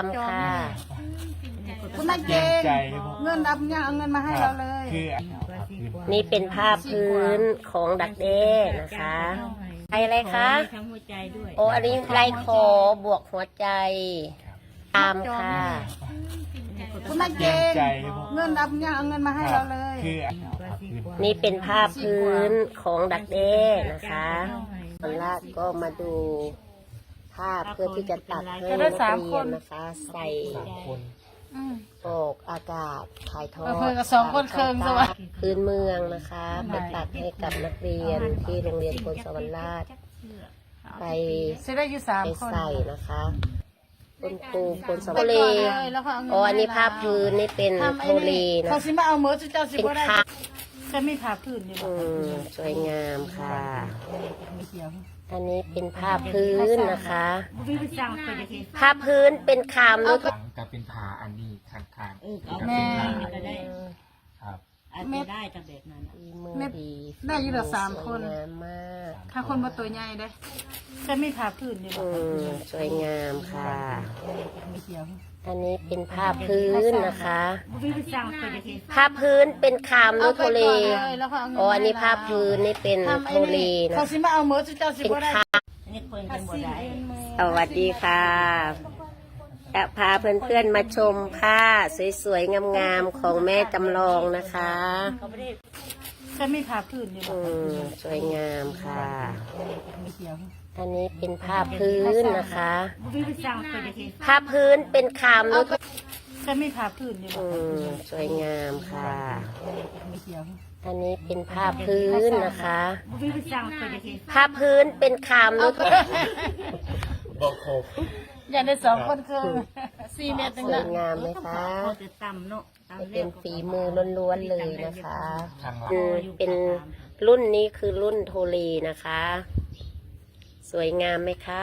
ามค่ะคุณนายเก่งเงินรับยังเอาเงินมาให้เราเลยนี่เป็นผ้าพื้นของดักแด้นะคะอะไรคะโอ้อันนี้ลายคอบวกหัวใจตามค่ะคุณนายเก่งเงินรับยังเอาเงินมาให้เราเลยนี่เป็นผ้าพื้นของดักแด้นะคะตอนแรกก็มาดูผ้าเพื่อที่จะตัดให้นักเรียนนะคะใส่ออกอากาศถ่ายทอดเพื่อนกับ2 คนเคิงสวัสดิ์พื้นเมืองนะคะไปตัดให้กับนักเรียนที่โรงเรียนพลสวรรค์ราชไปใช้ได้อยู่3 คนใส่นะคะคุณครูพลสวรรค์อ๋ออันนี้ผ้าพื้นนี่เป็นโทเลนะเขาสิมาเอาเมื่อเจ้าสิเป็นบ่ได้ผ้าจะมีผ้าพื้นอยู่สวยงามค่ะไม่เกี่ยวอันนี้เป็นผ้าพื้นนะคะผ้าพื้นเป็นคามด้วยกับเป็นผาอันนี้ข้างๆแม่ก็ได้ครับอาจจะได้แต่แบบนั้นมือดีได้อยู่ละ3 คนสวยงามมากถ้าคนมาตัวใหญ่ได้จะมีผ้าพื้นอยู่สวยงามค่ะไม่เกี่ยวอันนี้เป็นผ้าพื้นนะคะผ้าพื้นเป็นคามด้วยโทเลอ๋ออันนี้ผ้าพื้นนี่เป็นโทเลนะเขาสิมาเอาเมื่อเจ้าสิเป็นบ่ได้คามนี่เพิ่นกันบ่ได้สวัสดีค่ะจะพาเพื่อนๆมาชมผ้าสวยๆงามๆของแม่จำลองนะคะจะมีผ้าพื้นอยู่สวยงามค่ะไม่เกี่ยวอันนี้เป็นผ้าพื้นนะคะผ้าพื้นเป็นคามด้วยจะมีผ้าพื้นอยู่สวยงามค่ะไม่เกี่ยวอันนี้เป็นผ้าพื้นนะคะผ้าพื้นเป็นคามด้วยบอกโคกอยากได้2 คนคือ4 เมตรสนึงวยละงามไหมคะพอจะต่ำเนาะตามเป็นฝีมือล้วนๆเลยนะคะข้างหลังเป็นรุ่นนี้คือรุ่นโทลีนะคะ สวยงามไหมคะ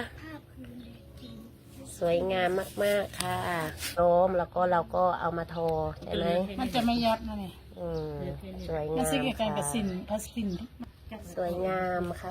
สวยงามมากๆค่ะโน้มแล้วก็เราก็เอามาทอใช่ไหมมันจะไม่ยัดนะนี่สวยมังาน มสิเกี่ยวกันกับค่ะสินพลาสตินสวยงามค่ะ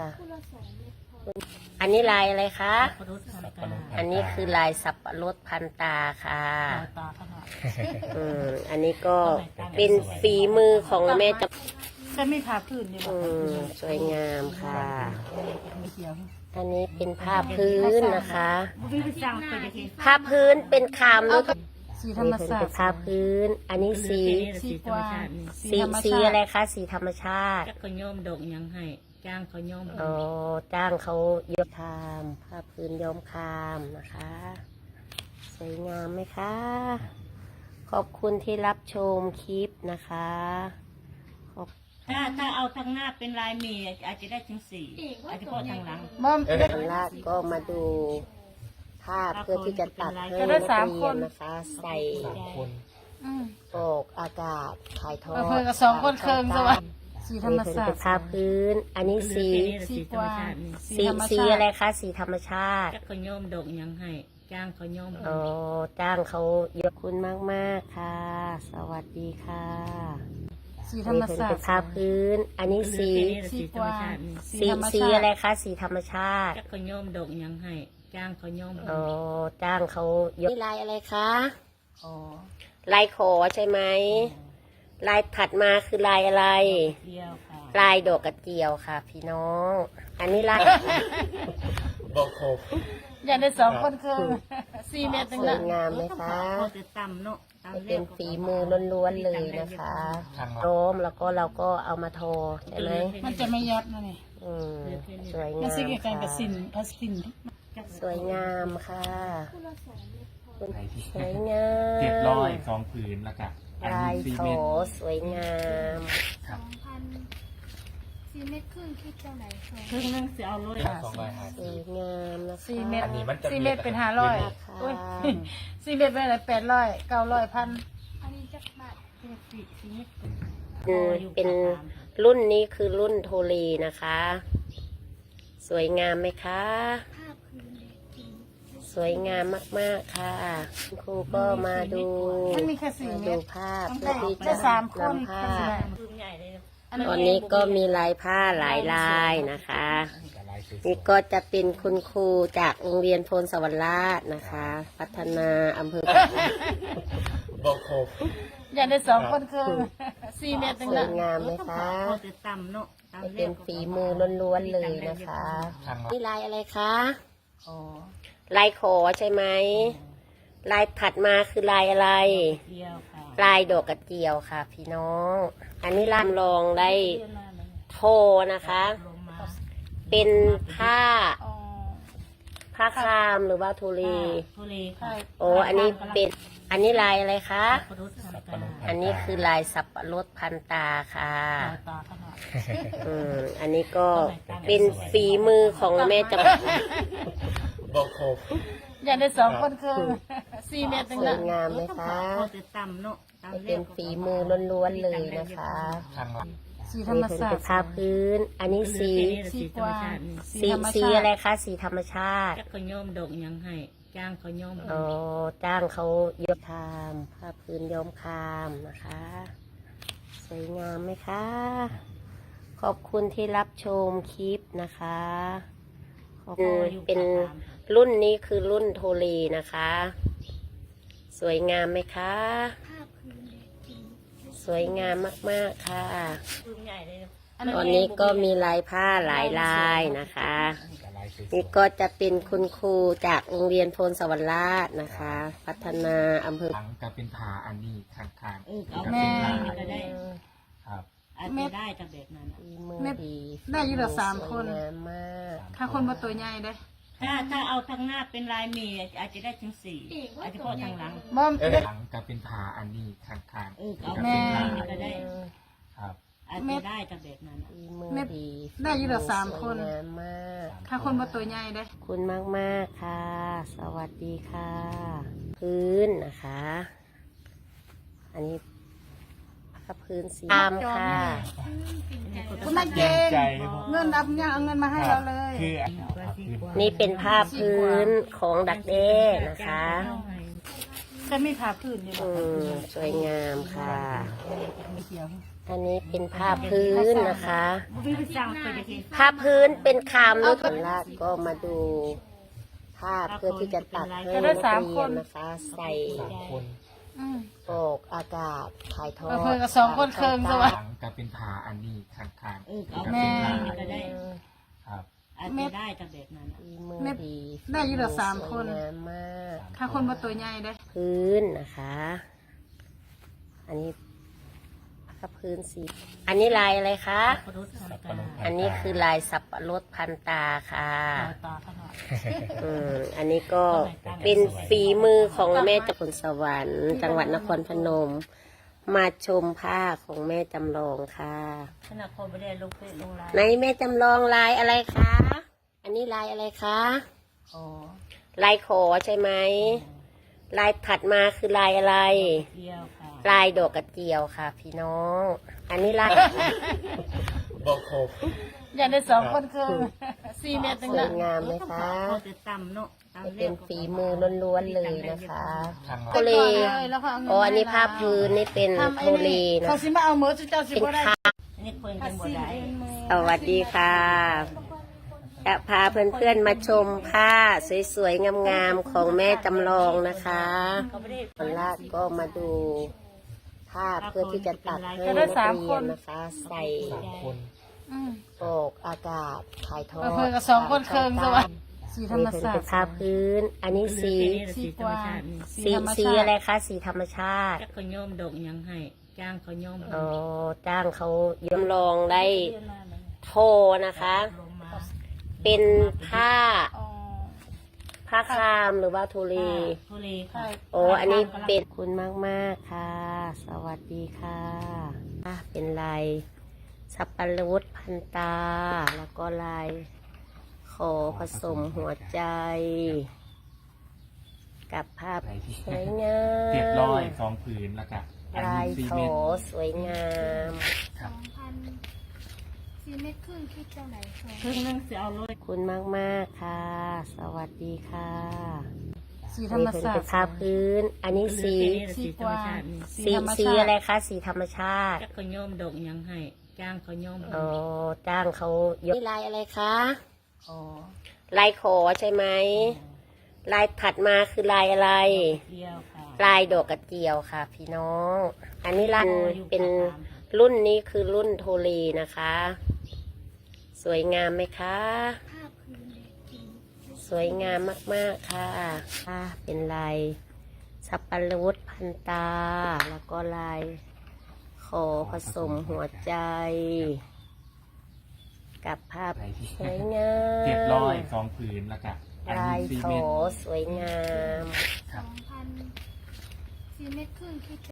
อันนี้ลายอะไรคะรถทำการอันนี้คือลายสับปะรดพันตาค่ะตาขนาดอันนี้ก็เป็นฝีมือของแม่จะจะมีผ้าพื้นอยู่สวยงามค่ะไม่เกี่ยวอันนี้เป็นผ้าพื้นนะคะวิวสั่งไปจะผ้าพื้นเป็นคามด้วยสีธรรมนี่ชาเป็นติผ้าพื้น อันนี้สีสีธรรมชาติสีอะไรคะ สีธรรมชาติจักเขาย่อมดอกยังให้จ้างเขาย่อมอ๋อจ้างเขาย้อมคาม ผ้าพื้นย้อมคามนะคะ สวยงามไหมคะ ขอบคุณที่รับชมคลิปนะคะขอบถ้าเอาทางหน้าเป็นลายมีอาจจะได้ถึง4อาจจะพอทางหลังมอมตอนแรกก็มาดูภาพเพื่อที่จะตัดให้นักเรียนนะคะ ใส่ 3 คนออกอากาศถ่ายทอดเพื่อนกับ 2 คนเคิงสวัสดิ์สีธรรมนี่ชาเป็ตินผ้าพื้น อันนี้สีสีธรรมชาติสีอะไรคะ สีธรรมชาติจักเขาย่อมดอกยังให้จ้างเขาย่อมอ๋อ จ้างเขาเยอะคุณมากๆค่ะ สวัสดีค่ะสีธรรมนี่ชาเป็ตินผ้าพื้น อันนี้สีสีธรรมชาติสีอะไรคะ สีธรรมชาติจักเขาย่อมดอกยังให้จ้างเขาย่อมอ๋อ จ้างเขาเยอะนี่ลายอะไรคะอ๋อลายขอใช่ไหม ลายถัดมาคือลายอะไรเดียวค่ะลายดอกกระเจียวค่ะ พี่น้อง อันนี้ลายบอกโคกอยากได้2 คนคือ4 เมตรนึงสวละยงามไหมคะพอจะต่ำเนาะตามเป็นฝีมือล้วนๆเลยนะคะข้างหลังโน้มแล้วก็เราก็เอามาทอใช่ไหมมันจะไม่ยัดนะนี่สวยมังาน มสิเกี่ยวกันกับค่ะสินพลาสตินสวยงามค่ะสวยงาม 702 ผืนแล้วก็อันลานี้ย 4 โถเมตรสวยงามครับ 4 เมตรครึ่งคิดเท่าไหร่คะครึ่งนึงจะเอารถส 250 วยงามนะคะ 4 เมตรอันนี้มันจะ 4 เมตรเป็นค่ะ 500อุ้ย4 เมตรเป็นอะไร800 900 1,000 อันนี้จักบาทเป็นรุ่นนี้คือรุ่นโทลีนะคะ สวยงามไหมคะภาพพื้นเด็กจริงสวยงามมากๆค่ะคุณครูก็มาดูมันมีแค่4 เมดูตรภาพต้องเพื่อได้ที่ได้จะ 3 คนนำภาพใหญ่เลยตอนนี้ก็มีลายผ้าหลายลายนะคะหลายายสวยนี่ก็จะเป็นคุณครูจากโรงเรียนโพนสวรรค์ราชนะคะ พัฒนาอำเภอบอกครบอยากได้2 คนครึ่ง4 เมตรสนึงวยละงามไหมคะพอจะต่ำเนาะตามจะเรีเป็ยนกฝีมือล้วนๆเลยนะคะทางนี่ลายอะไรคะอ๋อลายขอใช่ไหมลายถัดมาคือลายอะไรเดียวค่ะลายดอกกระเจียวค่ะ พี่น้อง อันนี้ลำลองได้โทนะคะลงมาเป็นผ้าอ๋อผ้าคามหรือว่าทุลีทุเรค่ะโอ้อันนี้เป็นอันนี้ลายอะไรคะปรุษทำการอันนี้คือลายสับปะรดพันตาค่ะตาขนาดอันนี้ก็เป็นฝีมือของแม่จำบอกครบอยากได้2 คนครึ่ง4 เมตรนึสงวละยงามไหมคะพอจะต่ำเนาะตามจะเรีเป็ยนกฝีมือล้วนๆเลยนะคะทางสีธรนี่รมเป็นศาสตเป็นร์ผ้าพื้น อันนี้สีสีกวางสีอะไรคะ สีธรรมชาติจักเขาย่อมดอกยังให้จ้างเขาย่อมอ๋อจ้างเขาย้อมคามผ้าพื้นย้อมคามนะคะ สวยงามไหมคะ ขอบคุณที่รับชมคลิปนะคะขอบคุณเป็นรุ่นนี้คือรุ่นโทรีนะคะ สวยงามไหมคะภาพพื้นเด็กจริงสวยงามมากๆค่ะปืนใหญ่เลยตอนนี้ก็มีลายผ้าหลายลายนะคะลายสวยนี่ก็จะเป็นคุณครูจากโรงเรียนโพนสวรรค์ราชนะคะ พัฒนาอำเภอทางก็เป็นผาอันนี้ข้างเอาๆแม่ก็ก็ได้ครับอาจจะได้จากแบบนั้นฝีมือดีได้อยู่ละ3 คนสวยงามมากถ้าคนมาตัวใหญ่เด้ถ้าเอาทางหน้าเป็นลายเมีอาจจะได้ถึง4อาจจะพอทางหลังบ่หลังก็เป็นผาอันนี้ข้างๆเอาก็แม่เป็นผาก็ได้ครับอาจจะได้จากแบบนั้นฝีมือดีได้อยู่ละ3 คนสวยงามมากถ้าคนมาตัวใหญ่เด้ขอบคุณมากๆค่ะ สวัสดีค่ะ พื้นนะคะ อันนี้ผ้าพื้นสีดำค่ะคุณแม่เกใจเงินรับยังเอาเงินมาให้เราเลยคือนี่เป็นผ้าพื้นของดักแด้นะคะจะมีผ้าพื้นอยู่บ่สวยงามค่ะไม่เกี่ยวอันนี้เป็นผ้าพื้นนะคะวิธีสร้างไปจะทีผ้าพื้นเป็นคามนุษย์ราชก็มาดูภาพเพื่อที่จะตัดให้นักเรียนนะคะ ใส่ 3 คนอืมออกอากาศถ่ายทอดเพิ่นก็2 คนครึ่งซะวะหลังก็เป็นผาอันนี้ข้างๆเอาก็แม่เป็นผาก็ได้ครับอาจจะได้จากแบบนั้นฝีมือดีได้อยู่ละ3 คนสวยงามมากถ้าคนมาตัวใหญ่เด้พื้นนะคะ อันนี้ผ้าพื้นสี อันนี้ลายอะไรคะปรุษทำการอันนี้คือลายสับปะรดพันตาค่ะตาขนาดอันนี้ก็เป็นฝีมือของแม่จำพลสวรรค์จังหวัดนครพนม มาชมผ้าของแม่จำลองค่ะขณะพอไม่ได้ลงเฟซลงไลน์ในแม่จำลองลายอะไรคะ อันนี้ลายอะไรคะอ๋อลายขอใช่ไหม ลายถัดมาคือลายอะไรเดียวค่ะลายดอกกระเจียวค่ะ พี่น้อง อันนี้ลายบอกครบอยากได้2 คนครึ่ง4 เมตรนึงสวละยงามไหมคะพอจะต่ำเนาะตามจะเรีเป็ยนกฝีมือล้วนๆเลยนะคะทางโทเลแล้วเขาเอาเงินอ๋ออันนี้ผ้าพื้นนี่เป็นทำโทไอ้เลนี่นะเขาสิมาเอามือเจ้าสิเป็นบ่ได้คาอันนี้คนกันบ่ได้สวัสดีค่ะจะพาเพื่อนๆมาชมผ้าสวยๆงามๆของแม่จำลองนะคะเขาไม่ได้วันแรกก็มาดูภาพเพื่อที่จะตัดให้นักเรียนนะคะ ใส่ 3 คนอืมออกอากาศถ่ายทอดเพิ่นก็2 คนครึ่งซะวะสีธรรมนี่ศาสตเป็นร์ผ้าพื้น อันนี้สีสีกวางสีอะไรคะ สีธรรมชาติจักเขาย่อมดอกยังให้จ้างเขาย่อมอ๋อจ้างเขาย้อมลองได้โทนะคะลงมาเป็นผ้าอ๋อผ้าคามหรือว่าทุลีทุเรใช่ค่ะโอ้อันนี้เป็นคุณมากๆค่ะ สวัสดีค่ะเป็นลายสับปะรดพันตา แล้วก็ลายขอผสมหัวใจ กับภาพสวยงาม 702 ผืนแล้วก็อันลานี้ย 4 โถเมตรสวยงามครับ 4 เมตรครึ่งคิดเท่าไหร่คะครึ่งนึงจะเอาเลยคุณมากๆค่ะ สวัสดีค่ะสีธรรมนี่ศาสเป็ตนร์ผ้าพื้น อันนี้สีสีกวางสีอะไรคะ สีธรรมชาติจักเขาย่อมดอกยังให้จ้างเขาย่อมอ๋อจ้างเขายกนี่ลายอะไรคะอขอลายขอใช่ไหมลายถัดมาคือลายอะไรเดียวค่ะลายดอกกระเจียวค่ะ พี่น้อง อันนี้รันเป็นรุ่นนี้คือรุ่นโทรีนะคะ สวยงามไหมคะผ้าพื้นจริงสวยงามมากๆค่ะเป็นลายสับปะรดพันตา แล้วก็ลายขอผสมหัวใจ กับภาพสวยงาม 702 ผืนแล้วก็อันลานี้ยซีโถเมนต์สวยงาม 2,000 4 เมตรครึ่งคิด